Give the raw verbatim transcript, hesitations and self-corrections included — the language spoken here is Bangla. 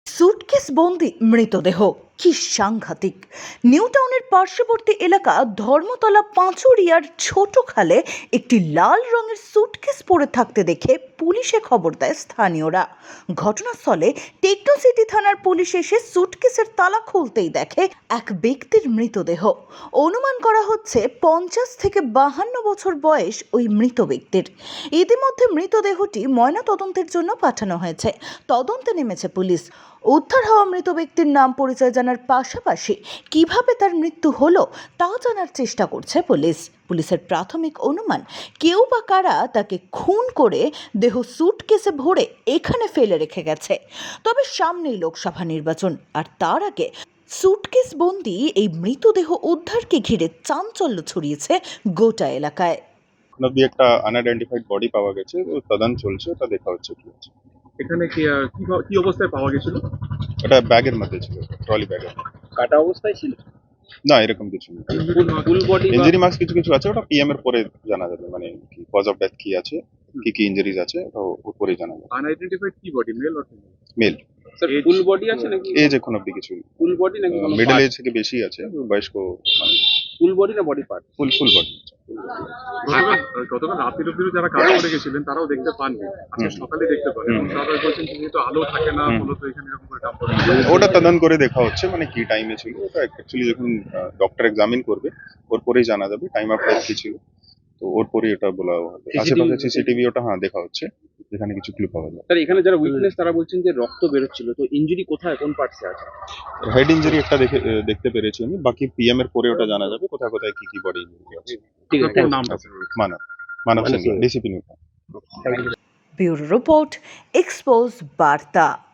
সুটকেস বন্দি মৃতদেহ কি সাংঘাতিক! নিউ টাউনের পার্শ্ববর্তী এলাকা ধর্মতলা পাঁচুরিয়ার ছোট খালে একটি লাল রঙের সুটকেস পড়ে থাকতে দেখে পুলিশে খবর দেয় স্থানীয়রা। ঘটনাস্থলে টেকনো সিটি থানার পুলিশ এসে সুটকেসের তালা খুলতেই দেখে এক ব্যক্তির মৃতদেহ। অনুমান করা হচ্ছে পঞ্চাশ থেকে বাহান্ন বছর বয়স ওই মৃত ব্যক্তির। ইতিমধ্যে মৃতদেহটি ময়নাতদন্তের জন্য পাঠানো হয়েছে। তদন্তে নেমেছে পুলিশ। উদ্ধার হওয়া মৃত ব্যক্তির নাম পরিচয় জানার পাশাপাশি কিভাবে তার মৃত্যু হলো তা জানার চেষ্টা করছে পুলিশ। পুলিশের প্রাথমিক অনুমান, কেউ বা কারা তাকে খুন করে দেহ সুটকেসে ভরে এখানে ফেলে রেখে গেছে। তবে সামনেই লোকসভা নির্বাচন, আর তার আগে সুটকেস বন্দি এই মৃতদেহ উদ্ধারকে ঘিরে চাঞ্চল্য ছড়িয়েছে গোটা এলাকায়। অব্দি একটা আনআইডেন্টিফাইড বডি পাওয়া গেছে, তদন্ত চলছে, ওটা দেখা হচ্ছে কি হচ্ছে। এখানে কি আহ, কি ভাব- কি অবস্থায় পাওয়া গেছিল? ওটা ব্যাগের মধ্যে ছিল, ট্রলি ব্যাগের। কাটা অবস্থায় ছিল? না, এরকম কিছু নেই। ফুল বডি ইঞ্জুরি মার্কস কিছু কিছু আছে, ওটা পিএম এর পরে জানা যাবে, মানে কি কজ অফ ডেথ কি আছে, কি কি ইনজুরিজ আছে, ওটা ওর পরে জানা যাবে। আনআইডেন্টিফাইড কি body, male or female? Male. Sir full body আছে নাকি? এজ এখন অব্দি কিছু ফুল বডি নাকি কোনো মিডল এজ থেকে বেশি আছে, বয়স্ক মানে ফুল বডি না body part? Full full body. গতকাল গতকাল রাতের অব্দি যারা কাজ করে গেছিলেন তারাও দেখতে পাননি, আজকে হুম। সকালে দেখতে পান এবং তারা বলছেন যে যেহেতু আলো থাকে না, মূলত এখানে এরকম করে ডাম্প করে। ওটা তদন্ত করে দেখা হচ্ছে, মানে কি টাইমে ছিল ওটা অ্যাকচুয়ালি যখন ডক্টর এক্সামিন করবে ওর পরেই জানা যাবে টাইম অফ ডেথ কি ছিল, তো ওর পরেই ওটা বলা হবে। আশেপাশে সিসিটিভি ওটা হ্যাঁ দেখা হচ্ছে, যেখানে কিছু ক্লু পাওয়া যায়। স্যার এখানে যারা উইটনেস তারা বলছেন যে রক্ত বেরোচ্ছিল, তো ইনজুরি কোথায়, কোন পার্টসে আছে? হেড ইঞ্জুরি একটা দেখে দেখতে পেরেছি আমি, বাকি পিএম এর পরে ওটা জানা যাবে কোথায় কোথায় কি কি বডি ইনজুরি আছে। ঠিক আছে, আপনার নামটা sir? Manab Manab Singh, DCP new. Bureau report, expose বার্তা।